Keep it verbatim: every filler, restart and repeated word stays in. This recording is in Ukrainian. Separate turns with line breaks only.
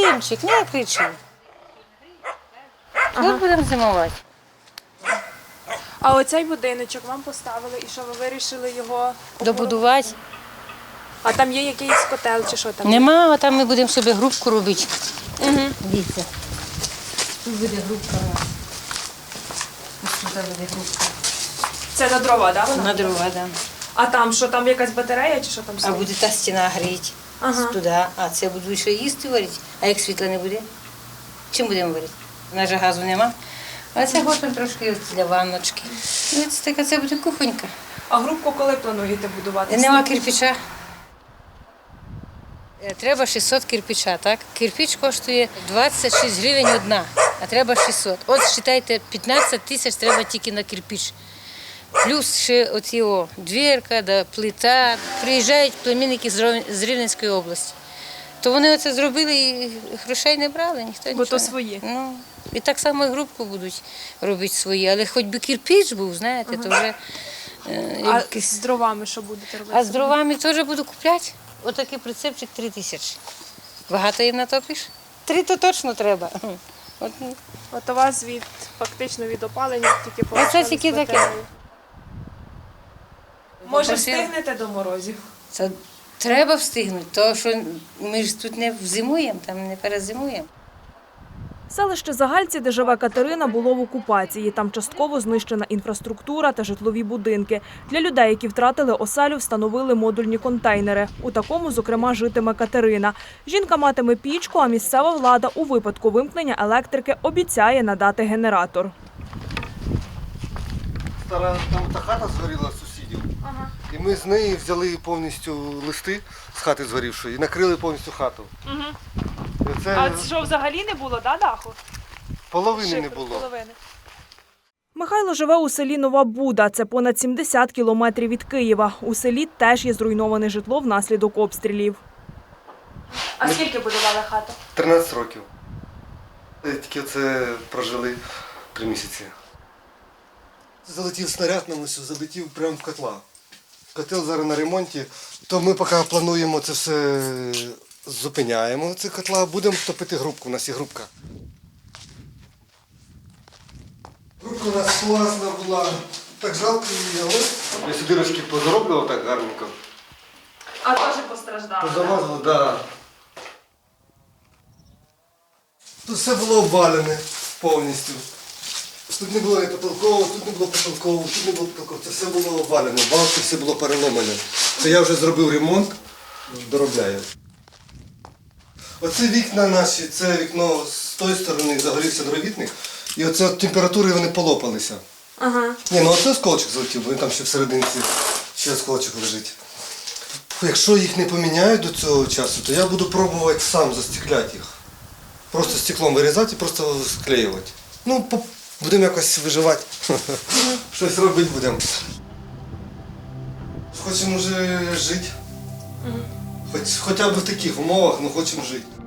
Вадимчик, не кричи. Ага. Тут будемо зимувати.
А оцей будиночок вам поставили, і що ви вирішили його
Добудувати.
А там є якийсь котел чи що там?
Нема, а там ми будемо собі грубку робити.
Угу.
Дивіться. Тут буде грубка у нас. Ось тут буде грубка.
Це на дрова, так? Да,
На дрова, так. Да.
А там що, там якась батарея чи що там
А
стоїть?
буде та стіна гріти.
Ага.
Туди. А це буду ще їсти варити. А як світла не буде? Чим будемо варити? У нас же газу нема. А це готуємо трошки для ванночки. І ось така це буде кухонька.
А грубку коли плануєте будувати?
Нема кирпича. Треба шістсот кирпича, так? Кирпич коштує двадцять шість гривень одна, а треба шістсот. От, вважайте, п'ятнадцять тисяч треба тільки на кирпич. Плюс ще оці о, двірка, да, плита. Приїжджають племінники з Рівненської області. То вони оце зробили і грошей не брали, ніхто нічого.
Бо то свої.
Не... Ну, і так само і грубку будуть робити свої, але хоч би кирпич був, знаєте, ага. то вже... Е,
а
якийсь...
з дровами що будете робити?
А з дровами теж буду купляти. Отакий прицепчик три тисячі. Багато їм натопиш? Три то точно треба. От,
От у вас від, фактично від опалення тільки
Оце
полишились
тільки таке.
батареї. Може,
Попросила.
встигнете до морозів?
Це треба встигнути, тому що ми ж тут не зимуємо, там не перезимуємо.
Селище Загальці, де живе Катерина, було в окупації. Там частково знищена інфраструктура та житлові будинки. Для людей, які втратили оселю, встановили модульні контейнери. У такому, зокрема, житиме Катерина. Жінка матиме пічку, а місцева влада у випадку вимкнення електрики обіцяє надати генератор.
Стара там та хата згоріла сусідів. Ага. І ми з неї взяли повністю листи з хати згорівшої і накрили повністю хату.
Угу.
Це...
А що взагалі не було, да, даху?
Половини
Шифр,
не було.
Половини. Михайло живе у селі Нова Буда. Це понад сімдесят кілометрів від Києва. У селі теж є зруйноване житло внаслідок обстрілів. А
ми...
скільки будували хату?
тринадцять років. Тільки це прожили три місяці. Залетів снаряд на ось, залетів прямо в котла. Котел зараз на ремонті, то ми поки плануємо це все, зупиняємо ці котла, будемо топити грубку, у нас є грубка. Грубка у нас класна була, так жалко її, але я сюди дирочки позароблював так гарненько.
А теж постраждали?
Позамазали, так. Да. Тут все було обвалене повністю. Тут не було ні потолкового, тут не було потолкового, тут не було потолкового. Це все було обвалене, балки все було переломане. Це я вже зробив ремонт, доробляю. Оце вікна наші, це вікно з тої сторони загорівся дровітник. І оце от температури вони полопалися.
Ага.
Ні, ну оце осколочок залетів, бо він там ще всерединці ще осколочок лежить. Якщо їх не поміняють до цього часу, то я буду пробувати сам застекляти їх. Просто стеклом вирізати і просто склеювати. Ну, будемо якось виживати. Щось робити будемо. Хочемо вже жити. Хоч, хоча б в таких умовах, але хочемо жити.